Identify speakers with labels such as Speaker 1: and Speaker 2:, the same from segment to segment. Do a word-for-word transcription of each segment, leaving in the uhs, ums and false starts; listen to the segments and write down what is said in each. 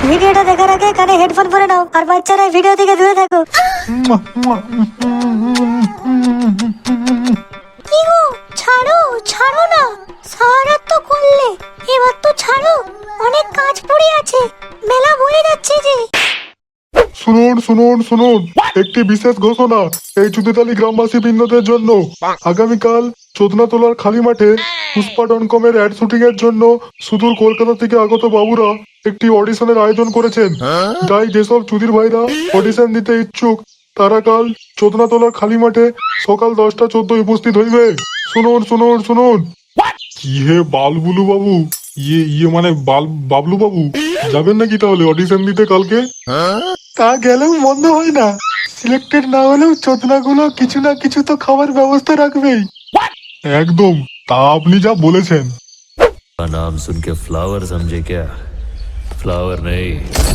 Speaker 1: ভিডিওটা দেখার আগে কানে হেডফোন পরে নাও আর বাচ্চারা ভিডিও থেকে দূরে থাকো। কি গো, ছাড়ো ছাড়ো না, সারা তো করলে, এবার তো ছাড়ো, অনেক কাজ পড়ে আছে, মেলা বয়ে যাচ্ছে যে।
Speaker 2: শুনুন শুনুন শুনুন, একটি বিশেষ ঘোষণা এই চুদিতালি গ্রামবাসী বৃন্দদের জন্য। আগামীকাল চোদনাতলার খালি মাঠে পুষ্পা ডট কমের অ্যাড শুটিং এর জন্য সুদূর কলকাতা থেকে আগত বাবুরা একটি অডিশনের আয়োজন করেছেন। তাই যেসব চুদির ভাইরা অডিশন দিতে ইচ্ছুক তারা কাল চোদনাতলার খালি মাঠে সকাল দশটা চোদ্দই উপস্থিত হইবে। শুনুন শুনুন শুনুন। কি হে বালবুলু বাবু, ইয়ে ইয়ে মানে বাল বাবলু বাবু, যাবেন নাকি তাহলে অডিশন দিতে কালকে? তা গেলেও মন্দ হয় না, সিলেক্টেড না হলেও চোদনাগুলো কিছু না কিছু তো খাবার ব্যবস্থা রাখবেই। একদম, তা আপনি যা বলেছেন।
Speaker 3: का नाम सुन के फ्लावर समझे क्या? फ्लावर नहीं,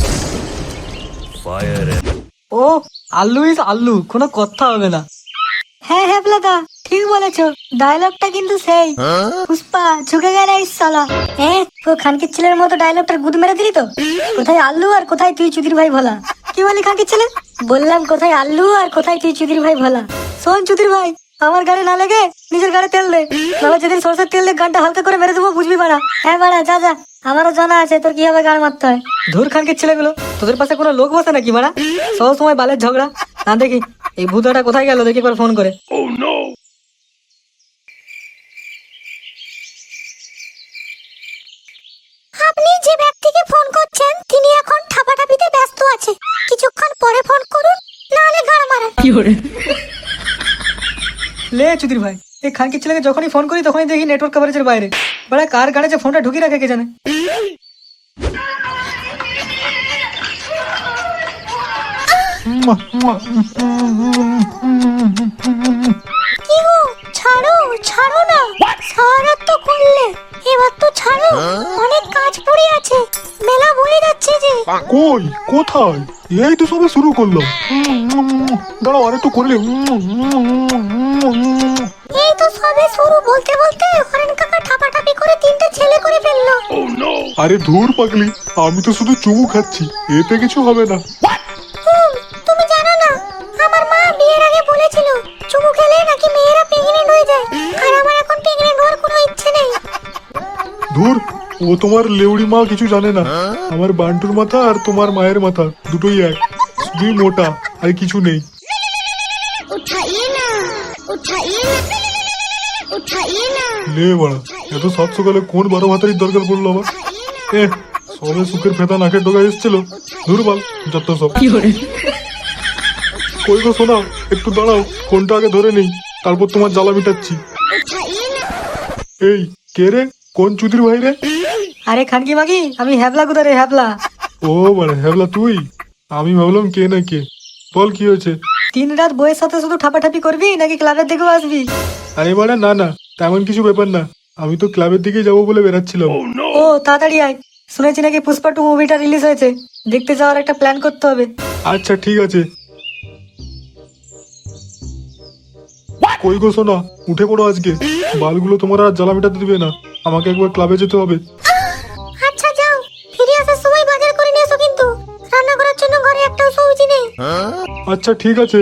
Speaker 3: फायर है।
Speaker 4: ও আল্লু ইস আল্লু, কোনো কথা হবে না।
Speaker 1: হ্যাঁ হ্যাঁ দাদা, ঠিক বলেছো, ডায়লগটা কিন্তু সেই পুষ্পা ঝুঁকে গেলে সালা। হ্যাঁ, ও খানকির ছেলের মতো ডায়লগটার গুদ মেরে দিলি তো। কোথায় আল্লু আর কোথায় তুই চুদির ভাই ভোলা? কি বলি খানকির ছেলে? বললাম কোথায় আল্লু আর কোথায় তুই চুদির ভাই ভোলা। শোন চুদির ভাই, আমার গাড়ি না লেগে নিজের গাড়ি তেল দে, নাহলে যেদিন সরষের তেল দিয়ে গানটা হালকা করে মেরে দেবো, বুঝবি বাড়া। হ্যাঁ বাড়া, যা যা, আমারও জানা আছে তোর কিভাবে গান মারতে হয়।
Speaker 4: ধুর খানকির ছেলেগুলো, তোদের পাশে কোনো লোক বসে নাকি মারা? সব সময় বালের ঝগড়া। না দেখি এই ভূতটা কোথায় গেল, দেখি একবার ফোন করে।
Speaker 1: আপনি যে ব্যক্তিকে ফোন করছেন তিনি এখন ঠাপাঠাপিতে ব্যস্ত আছে, কিছুক্ষণ পরে ফোন করুন, নাহলে গাড় মারা।
Speaker 4: লে চুদির ভাই, এই খানকির ছেলেকে যখনই ফোন করি তখনই দেখি নেটওয়ার্ক কভারেজের বাইরে। বড়া কার গাড়ি যে ফোনটা ঢুকিয়ে রাখে কে জানে।
Speaker 1: কি গো, ছাড়ো ছাড়ো না, সারা তো করলে, এবার তো ছাড়ো, অনেক কাজ পড়ে আছে, মেলা বয়ে যাচ্ছে যে।
Speaker 2: কই কোথায়? এই তো সবে শুরু করলাম। দাঁড়াও আরে তো করলে।
Speaker 1: এই তো সবে শুরু, বলতে বলতে হরেন কাকা ঠাপাঠাপি করে তিনটা ছেলে করে ফেললো।
Speaker 2: আরে ধুর পাগলি, আমি তো শুধু চুমু খাচ্ছি, এতে কিছু হবে না।
Speaker 1: হুম, তুমি জানো না, আমার মা বিয়ের আগে বলেছিল চুমু খেলে নাকি মেয়েরা প্রেগনেন্ট হয়ে যায়, আর আমার এখন প্রেগনেন্ট হওয়ার কোনো ইচ্ছে নেই।
Speaker 2: ধুর, ও তোমার লেউড়ি মা কিছু জানে না। আমার বান্টুর মাথা আর তোমার মায়ের মাথা দুটোই এক, শুধুই মোটা, আর কিছু নেই।
Speaker 1: উঠাইয়ে না, উঠাইয়ে না, উঠাইয়ে না।
Speaker 2: লে বাড়া, এত সাত সকালে কোন বারো ভাতারির দরকার পড়লো আবার? এ সবে সুখের ফেতা নাকের ডোকা এসেছিল। ধুর বাল, যত সব। কই গো শোনা, একটু দাঁড়াও, ফোনটা আগে ধরে নেই, তারপর তোমার জ্বালা মিটাচ্ছি। এই কে রে, কোন চুদির ভাই রে?
Speaker 4: আরে খানকি মাগি, আমি হ্যাবলা কোথায় রে, হ্যাবলা।
Speaker 2: ও মানে হ্যাবলা তুই? আমি ভাবলাম কে না কে। বল কি হয়েছে?
Speaker 4: তিন রাত বইয়ের সাথে শুধু ঠাপাঠাপি করবি নাকি ক্লাবের দিকেও আসবি?
Speaker 2: আরে বাড়া না না, তেমন কিছু ব্যাপার না, আমি তো ক্লাবের দিকে যাবো বলে বেরাচ্ছিলাম।
Speaker 4: ও তাড়াতাড়ি আয়, শুনেছি নাকি পুষ্পা টু মুভিটা রিলিজ হয়েছে, দেখতে যাওয়ার একটা প্ল্যান করতে হবে।
Speaker 2: আচ্ছা ঠিক আছে। কই গো শোনা, উঠে পড়ো আজকে, বালগুলো তোমার আর জ্বালা মেটাতে দিবে না, আমাকে একবার ক্লাবে যেতে হবে।
Speaker 1: আচ্ছা যাও, ফিরে আসার সময় বাজার করে নিয়ে এসো, কিন্তু রান্না করার জন্য ঘরে একটাও সবজি নেই।
Speaker 2: আচ্ছা ঠিক আছে।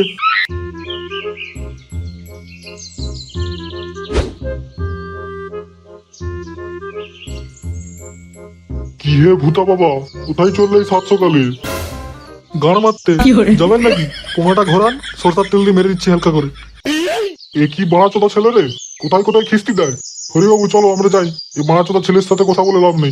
Speaker 2: কি হে ভূতা বাবা, কোথায় চললে এই সাত সকালে? গান মারতে যাবেন নাকি? পোঙাটা ঘোরান, সরষার তেল দিয়ে মেরে দিচ্ছি হালকা করে। এ কি বাড়াচোদা ছেলে রে, কোথায় কোথায় খিস্তি দেয়। হরিবাবু চলো আমরা যাই, এই বাড়াচোদা ছেলের সাথে কথা বলে লাভ নেই।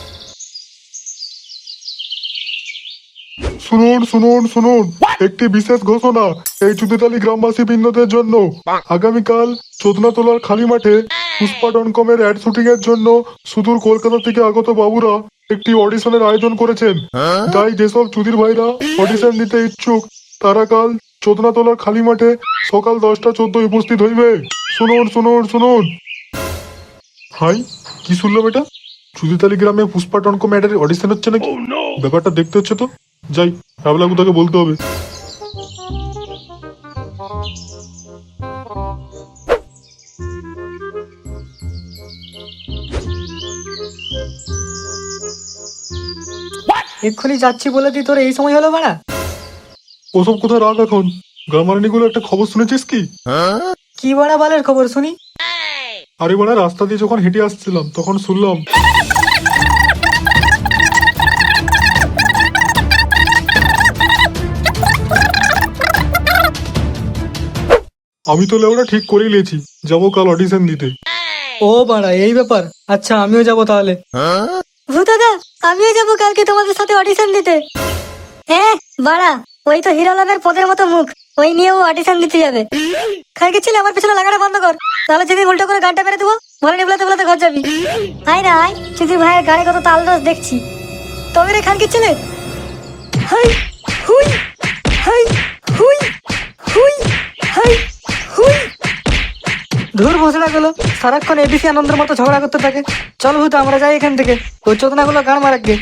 Speaker 2: শুনুন শুনুন শুনুন, একটি বিশেষ ঘোষণা এই চুদিতালি গ্রামবাসী বৃন্দদের জন্য। আগামীকাল চোদনাতলার খালি মাঠে পুষ্পা ডট কমের অ্যাড শুটিং এর জন্য সুদূর কলকাতা থেকে আগত বাবুরা একটি অডিশনের আয়োজন করেছেন। তাই যেসব চুদির ভাইরা অডিশন দিতে ইচ্ছুক তারা কাল চোদনাতলার খালি মাঠে সকাল দশটা চোদ্দই উপস্থিত হইবে। শুনুন শুনুন শুনুন। হাই, কি শুনলাম এটা? চুদিতালি গ্রামে পুষ্পা ডট কম অ্যাডের অডিশন হচ্ছে নাকি? ব্যাপারটা দেখতে হচ্ছে তো, যাই হ্যাবলাগু তাকে বলতে হবে।
Speaker 4: এক্ষুনি যাচ্ছি বলে দি তোর এই সময় হলো বাড়া?
Speaker 2: ওসব কোথায় রাখ এখন। গ্রামারানিগুলো একটা খবর শুনেছিস কি?
Speaker 4: কি বাড়া বালের খবর শুনি?
Speaker 2: আরে বাড়া, রাস্তা দিয়ে যখন হেঁটে আসছিলাম তখন শুনলাম আমি তো লেওরা ঠিক করেই নিয়েছি, যাবো কাল অডিশন দিতে।
Speaker 4: ও বাড়া এই ব্যাপার, আচ্ছা আমিও যাব তাহলে।
Speaker 1: ভূতাদা, আমিও যাবো কালকে তোমাদের সাথে অডিশন দিতে। হ্যাঁ বাড়া, ওই তো হিরোলালের পদের মতো মুখ, ওই নিয়েও অডিশন দিতে যাবে। খানকে ছেলে আমার পেছনে লাগাটা বন্ধ কর, তাহলে যেদিন উল্টো করে গানটা মেরে দেবো, বলে নিবলাতে বলাতে ঘর যাবি। আয় না আয়, চুদির ভাইয়ের গানে কত তাল রস দেখছি। তবে রে খানকে ছেলে, হাই হুই হাই হুই হুই হাই হুই।
Speaker 4: ধুর ভোসড়া গুলো সারাক্ষণ এবিসি আনন্দের মতো ঝগড়া করতে থাকে। চল ভূত আমরা যাই এখান থেকে, ওই চোদনা গুলো গান মারাকে।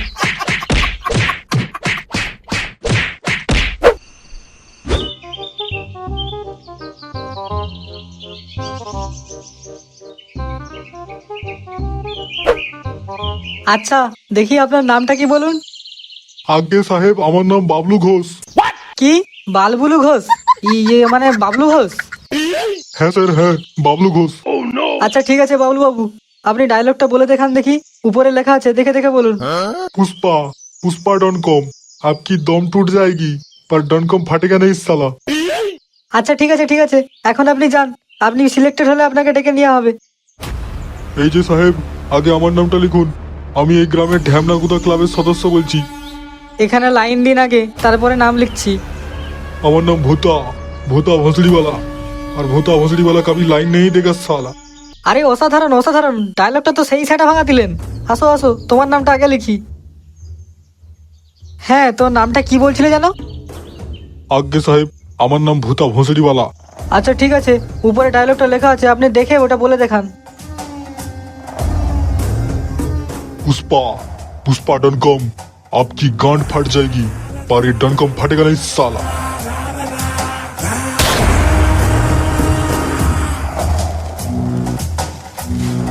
Speaker 4: আচ্ছা দেখি আপনার নামটা কি বলুন?
Speaker 2: আজ্ঞে সাহেব, আমার নাম বাবলু ঘোষ।
Speaker 4: কি বালবুলু ঘোষ? ইয়ে মানে বাবলু ঘোষ?
Speaker 2: হ্যাঁ স্যার, হ্যাঁ বাবলু ঘোষ।
Speaker 4: আচ্ছা ঠিক আছে বাবলু বাবু, আপনি ডায়লগটা বলে দেখান দেখি, উপরে লেখা আছে দেখে দেখে বলুন।
Speaker 2: पुष्पा पुष्पा डॉन कॉम आपकी दम टूट जाएगी पर डॉन कॉम फटेगा नहीं साला।
Speaker 4: আচ্ছা ঠিক আছে ঠিক আছে, এখন আপনি যান, আপনি সিলেক্টেড হলে আপনাকে ডেকে নেওয়া হবে।
Speaker 2: এই যে সাহেব, আগে আমার নামটা লিখুন। আমি এই গ্রামের ঢ্যামনাগুদা ক্লাবের সদস্য বলছি।
Speaker 4: এখানে লাইন দিন আগে, তারপরে নাম লিখছি।
Speaker 2: আমার নাম ভূতা, ভূতা ভসড়িওয়ালা। আর ভূতা ভসড়িওয়ালা কभी লাইন नहीं देगा साला।
Speaker 4: আরে অসাধারণ অসাধারণ, ডায়লগটা তো সেই সেটা ভাঙা দিলেন। আসো আসো, তোমার নামটা আগে লিখি। হ্যাঁ, তোর নামটা কি বলছিলে জানো?
Speaker 2: আজ্ঞে সাহেব, আমার নাম ভূতা ভসড়িওয়ালা।
Speaker 4: আচ্ছা ঠিক আছে, উপরে ডায়লগটা লেখা আছে, আপনি দেখে ওটা বলে দেখান।
Speaker 2: पुष्पा पुष्पा डॉन कॉम आपकी गांड फट जाएगी पर ये डॉन कॉम फटेगा नहीं साला।